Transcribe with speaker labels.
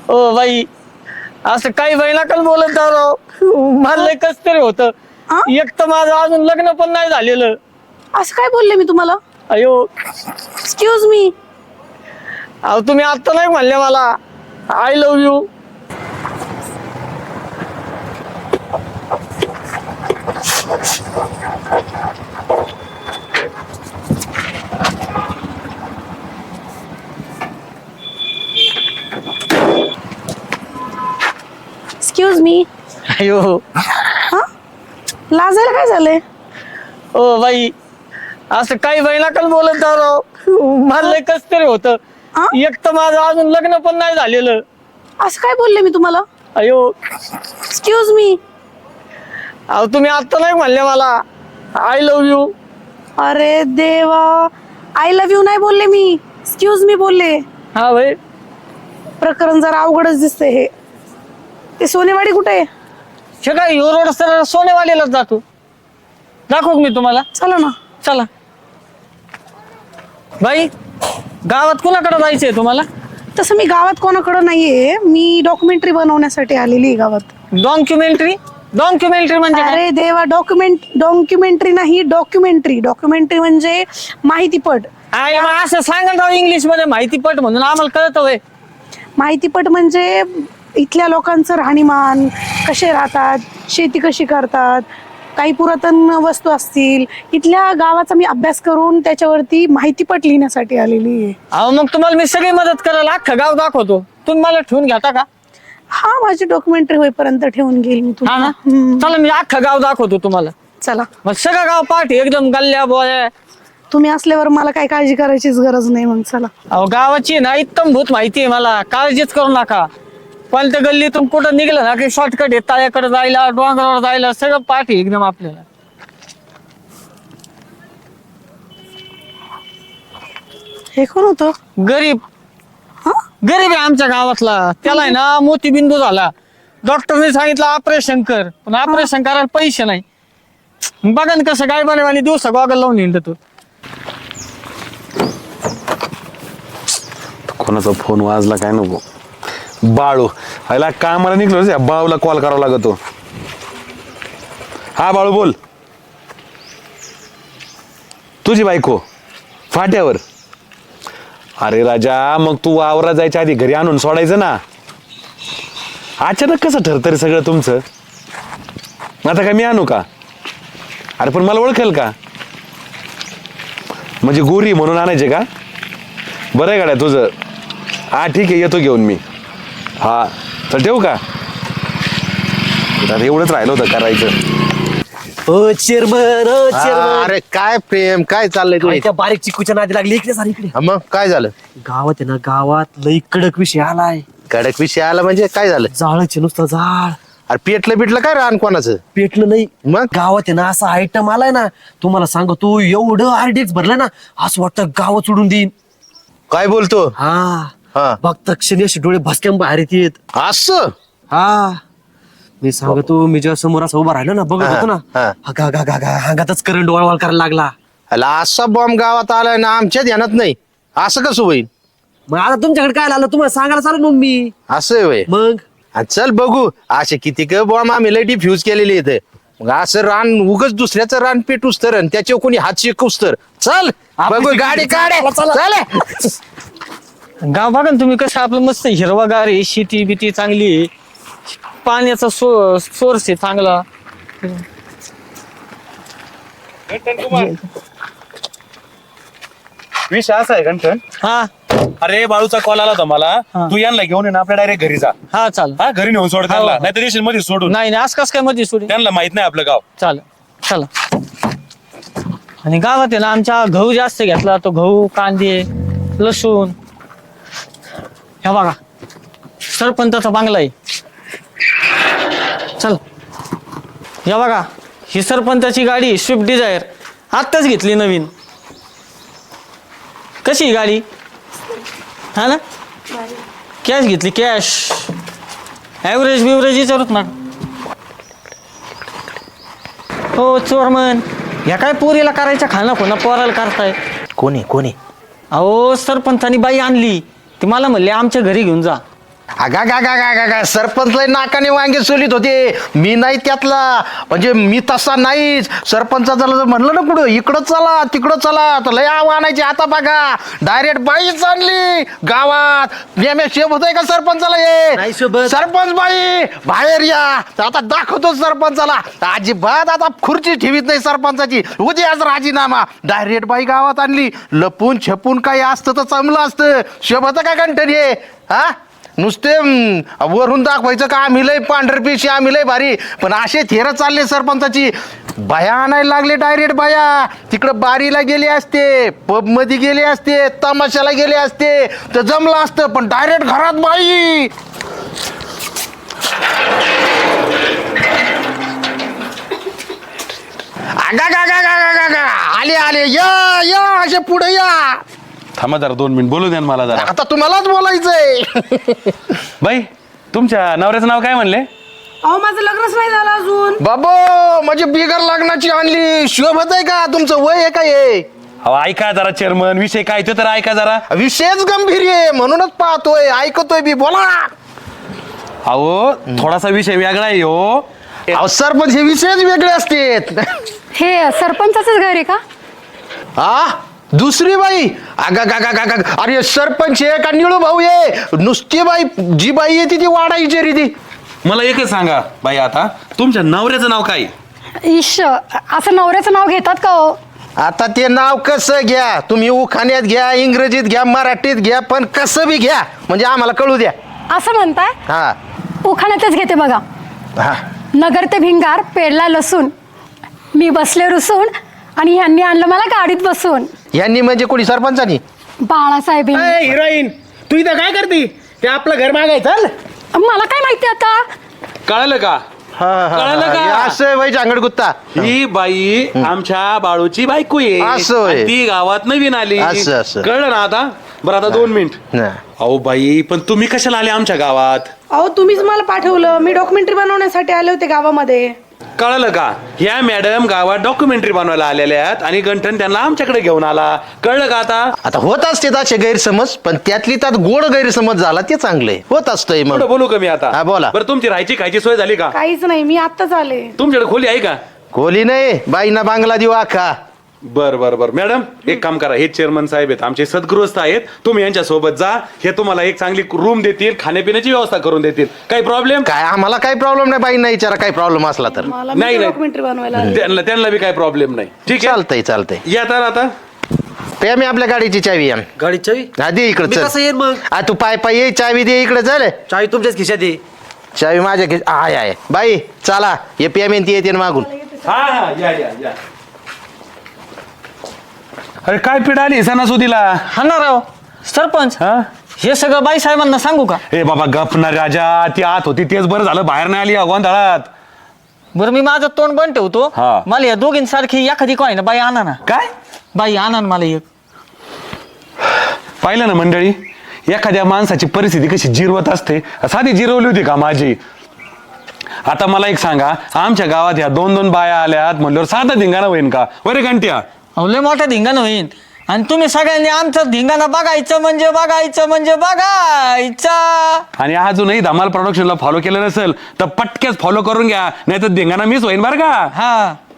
Speaker 1: O by असं काही नका बोलत जा राव. मला लय कस तरी होतं.
Speaker 2: हा?
Speaker 1: एक तर माझं अजून लग्न पण नाही झालेलं.
Speaker 2: असं काय बोलले मी तुम्हाला?
Speaker 1: अयो
Speaker 2: एक्सक्यूज मी.
Speaker 1: अहो तुम्ही आता नाही म्हणले मला I love you.
Speaker 2: Excuse me.
Speaker 1: अयो
Speaker 2: हा, लाजायला काय झालंय?
Speaker 1: ओ बाई असं काही नका बोलत जा राव. मला लय कस तरी होतं.
Speaker 2: हा?
Speaker 1: एक तर माझं अजून लग्न पण नाही झालेलं.
Speaker 2: असं काय बोलले मी तुम्हाला?
Speaker 1: अयो
Speaker 2: एक्सक्यूज मी.
Speaker 1: अहो तुम्ही आता नाही म्हणले मला आय लव्ह यू.
Speaker 2: अरे देवा, आय लव्ह यू नाही बोलले मी, एक्सक्यूज मी बोलले.
Speaker 1: हा भाई
Speaker 2: प्रकरण जरा अवघडच दिसतंय हे. ते सोनेवाडी कुठे आहे?
Speaker 1: हे काय ह्यो रोड सर सोनेवाडीलाच जातो. दाखवू का मी तुम्हाला?
Speaker 2: चला ना.
Speaker 1: चला बाई गावात कुणाकडे जायचंय तुम्हाला?
Speaker 2: तसं मी गावात कोणाकडं नाहीये, मी डॉक्युमेंटरी बनवण्यासाठी आलेली आहे गावात.
Speaker 1: डॉक्युमेंटरी डॉक्युमेंटरी म्हणजे काय?
Speaker 2: अरे देवा, डॉक्युमेंटरी नाही, डॉक्युमेंटरी म्हणजे माहितीपट.
Speaker 1: मग असं सांगा राव इंग्लिश मध्ये माहितीपट म्हणून आम्हाला कळतं होय.
Speaker 2: माहितीपट म्हणजे इथल्या लोकांचं राहणीमान, कसे राहतात, शेती कशी करतात, काही पुरातन वस्तू असतील, इथल्या गावाचा मी अभ्यास करून त्याच्यावरती माहितीपट लिहिण्यासाठी आलेली आहे.
Speaker 1: अहो मग तुम्हाला मी सगळी मदत करायला अख्खं गाव दाखवतो. तुम्ही मला ठेवून घेता का?
Speaker 2: हा, माझी डॉक्युमेंटरी होईपर्यंत ठेवून घेईल मी
Speaker 1: हा ना.
Speaker 2: तुम्हाला.
Speaker 1: चला मी अख्खं गाव दाखवतो तुम्हाला.
Speaker 2: चला,
Speaker 1: मग सगळं गाव पाठी एकदम गल्ल्या बोया.
Speaker 2: तुम्ही असल्यावर मला काही काळजी करायचीच गरज नाही. मग चला.
Speaker 1: अहो गावाची ना इत्तम भूत माहिती आहे मला, काळजीच करू नका. पण त्या गल्लीतून कुठं निघलं ना की शॉर्टकट आहे, तळ्याकडे जायला, डोंगरावर जायला सगळं पाठी एकदम आपल्याला.
Speaker 2: हे कोण होतं?
Speaker 1: गरीब
Speaker 2: हा?
Speaker 1: गरीब आहे आमच्या गावातला. त्याला आहे ना मोतीबिंदू झाला. डॉक्टरने सांगितलं ऑपरेशन कर, पण ऑपरेशन करायला पैसे नाही. बघा ना कसं काय बने दिवस गॉगल लावून हिंडतो.
Speaker 3: कोणाचा फोन वाजला काय नको. बाळू ह्याला कामाला निघलो, बाळूला कॉल करावा लागतो. हा बाळू बोल. तुझी बायको फाट्यावर? अरे राजा, मग तू वावरा जायच्या आधी घरी आणून सोडायचं ना. अचानक कसं ठरतं रे सगळं तुमचं? आता काय मी आणू का? अरे पण मला ओळखेल का? म्हणजे गोरी म्हणून आणायचे का? बरं आहे गाड्या तुझं. हा ठीक आहे, येतो घेऊन मी. हा तर ठेवू का? एवढंच राहिलं होतं करायचं.
Speaker 4: ओ चेअरमन, ओ चेअरमन.
Speaker 5: अरे काय प्रेम, काय चाललंय
Speaker 4: काय
Speaker 5: तुम्ही?
Speaker 4: त्या बारीक चिकूच्या नादी लागली इकडे सारी इकडे.
Speaker 5: मग काय झालं?
Speaker 4: गावात आहे ना, गावात लई कडक विषय आलाय.
Speaker 5: कडक विषय आला म्हणजे काय झालं?
Speaker 4: जाळचे नुसतं जाळ.
Speaker 5: अरे पेटलं बिटलं काय रान कोणाचं?
Speaker 4: पेटलं नाही.
Speaker 5: मग?
Speaker 4: गावात आहे ना असा आयटम आलाय ना, तुम्हाला सांगतो एवढं आरडीएक्स भरलं ना, असं वाटतं गाव सोडून देईन.
Speaker 5: काय बोलतो?
Speaker 4: हा
Speaker 5: हा
Speaker 4: बघता क्षणी असे डोळे भसक्यान बाहेर येत.
Speaker 5: असं?
Speaker 4: हा मी सांगतो, मी जेव्हा समोर असं उभा राहिलो ना, बघत होतो ना,
Speaker 5: हा.
Speaker 4: अंगातच करंट वळवळ करायला लागला.
Speaker 5: अला असा बॉम्ब गावात आलाय ना, आमच्या ध्यानात नाही. असं कसं होईल?
Speaker 4: मग आता तुमच्याकडे काय आलं, तुम्हाला सांगायला चालू मग मी.
Speaker 5: असं आहे व्हय.
Speaker 4: मग
Speaker 5: चल बघू असे किती क बॉम्ब आम्ही लय डिफ्यूज केलेले इथे. मग असं रान उगच दुसऱ्याचं रान पेटूस तर, आणि त्याच्यावर कोणी हात शिकूस तर. चल बघू, गाडी काढे. चल.
Speaker 1: गाव बघा ना तुम्ही कसं आपलं मस्त हिरवागार आहे, शेती बिती चांगली आहे, पाण्याचा सोर्स आहे चांगला.
Speaker 6: विषय असा आहे गंठन.
Speaker 1: हा
Speaker 6: अरे बाळूचा कॉल आला होता मला.
Speaker 1: हा.
Speaker 6: तू यांना घेऊन ये ना, आपल्या डायरेक्ट घरी जा.
Speaker 1: हा चाल.
Speaker 6: हा घरी नेऊन सोड त्यांना, नाही तर येशील मध्ये सोडून.
Speaker 1: नाही आज कस काय मध्ये सोडी.
Speaker 6: त्यांना माहित नाही आपलं गाव.
Speaker 1: चाल चला. आणि गावात आहे ना आमच्या गहू जास्त घेतला, तो गहू, कांदे, लसूण. हे बघा सरपंचाचा बांगला आहे. चल या बघा, ही सरपंचाची गाडी स्विफ्ट डिझायर आत्ताच घेतली नवीन. कशी ही गाडी? हा ना, कॅश घेतली, कॅश. ॲव्हरेज बिव्हरेज विचारूच ना. हो चोरमन, ह्या काय पोरीला करायच्या खाना पुन्हा पोराला करताय.
Speaker 4: कोणी
Speaker 1: अहो सरपंचानी बाई आणली, ती मला म्हणले आमच्या घरी घेऊन जा.
Speaker 5: अगा गा गा गा गा गा सरपंच लय नाकाने वांगे सोलित होते. मी नाही त्यातला, म्हणजे मी तसा नाहीच. सरपंचाला जर म्हणलं ना पुढं इकडं चला तिकडं चला तर लय आव्हानायचे. आता बघा डायरेक्ट बाईच आणली गावात. शेप होतय का सरपंचाला
Speaker 4: नाही
Speaker 5: हे
Speaker 4: शोभत.
Speaker 5: सरपंच बाई बाहेर या. तर आता दाखवतो सरपंचाला. अजिबात आता खुर्ची ठेवीत नाही सरपंचाची. उद्याच राजीनामा. डायरेक्ट बाई गावात आणली. लपून छपून काही असतं तर चांगलं असतं. शोभत का कंठन हे हा नुसते वरून दाखवायचं का आम्ही लय पांढरपेशी आम्ही लय भारी. पण असे थेर चालले सरपंचाची. बाया आणायला लागले डायरेक्ट बाया. तिकडं बारीला गेले असते, पब मध्ये गेले असते, तमाशाला गेले असते तर जमलं असतं. पण डायरेक्ट घरात बाई. आगा गा गा गा गा गा गा आले आले या या असे पुढे या.
Speaker 3: थांबा जरा 2 मिनिट बोलू द्या ना मला जरा.
Speaker 5: आता तुम्हालाच बोलायचंय.
Speaker 3: बाई तुमच्या नवऱ्याचं नाव काय म्हणले?
Speaker 2: अहो माझं लग्नच नाही झालं अजून.
Speaker 5: बाबो म्हणजे बिगर लग्नाची आणली. शोभत आहे का? तुमचं वय आहे का हे?
Speaker 3: अहो ऐका जरा चेअरमन, विषय काय ते तर ऐका जरा.
Speaker 5: विषयच गंभीर आहे म्हणूनच पाहतोय ऐकतोय बी. बोला.
Speaker 3: अहो थोडासा विषय वेगळा आहे हो.
Speaker 5: अहो सरपंच हे विषयच वेगळे असतात.
Speaker 7: हे सरपंचाचंच घर आहे का?
Speaker 5: हा दुसरी बाई. अगा गा गा गा गा अरे सरपंच आहे का निळू भाऊ आहे? नुसती बाई जी बाई येते ती वाढायची रे ती.
Speaker 3: मला एकच सांगा बाई, आता तुमच्या नवऱ्याचं नाव काय?
Speaker 7: ईश असं नवऱ्याचं नाव घेतात का हो?
Speaker 5: आता ते नाव कसं घ्या तुम्ही, उखाण्यात घ्या, इंग्रजीत घ्या, मराठीत घ्या, पण कसं बी घ्या म्हणजे आम्हाला कळू द्या.
Speaker 7: असं म्हणताय?
Speaker 5: हा
Speaker 7: उखाण्यातच घेते बघा.
Speaker 5: हा
Speaker 7: नगर ते भिंगार पेरला लसूण, मी बसले रुसून आणि ह्यांनी आणलं मला गाडीत बसून.
Speaker 5: यांनी म्हणजे कोणी सरपंचानी?
Speaker 7: बाळासाहेब
Speaker 1: हिरोईन तू इथं काय करते? ते आपलं घर मागायचं.
Speaker 7: मला काय माहिती आता.
Speaker 3: कळलं का? कळलं का?
Speaker 5: असं बाई चांगड गुत्ता.
Speaker 3: ही बाई आमच्या बाळूची बायको आहे.
Speaker 5: असं होय.
Speaker 3: आणि ती गावात नवीन आली.
Speaker 5: असं.
Speaker 3: कळलं ना आता? बरं आता 2 मिनिट.
Speaker 5: नाही.
Speaker 3: अहो बाई पण तुम्ही कशाला आले आमच्या गावात?
Speaker 2: अहो तुम्हीच मला पाठवलं. मी डॉक्युमेंटरी बनवण्यासाठी आले होते गावामध्ये.
Speaker 3: कळलं का? ह्या मॅडम गावात डॉक्युमेंटरी बनवायला आलेल्या आहेत आणि गंठन त्यांना आमच्याकडे घेऊन आला. कळलं का आता?
Speaker 5: आता होत असते असे गैरसमज, पण त्यातली त्यात गोड गैरसमज झाला ते चांगले होत असतंय.
Speaker 3: पुढं
Speaker 5: मग
Speaker 3: बोलू का मी आता?
Speaker 5: हा, बोला.
Speaker 3: बरं तुमची राहायची खायची सोय झाली का?
Speaker 2: काहीच नाही, मी आत्ताच आले.
Speaker 3: तुमच्याकडे खोली आहे का?
Speaker 5: खोली नाही बाईना बांगला देऊ आखा.
Speaker 3: बर बर बर मॅडम एक काम करा, हे चेअरमन साहेब आहेत आमचे सद्गृहस्थ आहेत. तुम्ही यांच्या सोबत जा. हे तुम्हाला एक चांगली रूम देतील, खाण्यापिण्याची व्यवस्था करून देतील. काही प्रॉब्लेम?
Speaker 5: काय आम्हाला काही प्रॉब्लेम नाही. बाईंना विचारा काही प्रॉब्लेम असला तर.
Speaker 2: मला
Speaker 3: नाही, नाही.
Speaker 2: डॉक्युमेंटरी बनवायला आले.
Speaker 3: त्यांना बी काही प्रॉब्लेम नाही. ठीक आहे
Speaker 5: चालतंय.
Speaker 3: या तर आता.
Speaker 5: पे मी आपल्या गाडीची चावी आण.
Speaker 4: गाडी चावी
Speaker 5: आधी इकडे
Speaker 4: मी कसं येईन मग?
Speaker 5: तू पाय ये चावी दे इकडे चल.
Speaker 4: चावी तुमच्याच खिशात आहे.
Speaker 5: चावी माझ्या आहे बाई चला. हे पेमेंट येते ना मागून.
Speaker 3: हा हा या या या. अरे काय पिढ आली सणासुदीला?
Speaker 1: हा ना राव सरपंच,
Speaker 3: हा
Speaker 1: हे सगळं बाई साहेबांना सांगू का?
Speaker 3: ए बाबा गपना राजा, ती आत होती तेच बरं झालं, बाहेर नाही आली गोंधळात.
Speaker 1: बरं मी माझं तोंड बंद ठेवतो.
Speaker 3: हा.
Speaker 1: मला या दोघींसारखी एखादी काय ना बाई आणा ना.
Speaker 3: काय
Speaker 1: बाई आणा ना मला एक.
Speaker 3: पाहिलं ना मंडळी, एखाद्या माणसाची परिस्थिती कशी जिरवत असते. साधी जिरवली होती का माझी? आता मला एक सांगा, आमच्या गावात ह्या 2-2 बाया आल्यात म्हणल्यावर साधा धिंगाणा होईन का? बरे घंट्या
Speaker 1: अहो लय मोठा धिंगाणा होईल. आणि तुम्ही सगळ्यांनी आमचा धिंगाणा बघायचं म्हणजे बघायचा.
Speaker 3: आणि अजूनही धमाल प्रोडक्शनला फॉलो केलं नसेल तर पटक्याच फॉलो करून घ्या, नाही तर धिंगाणा मिस होईन बरं का?
Speaker 1: हा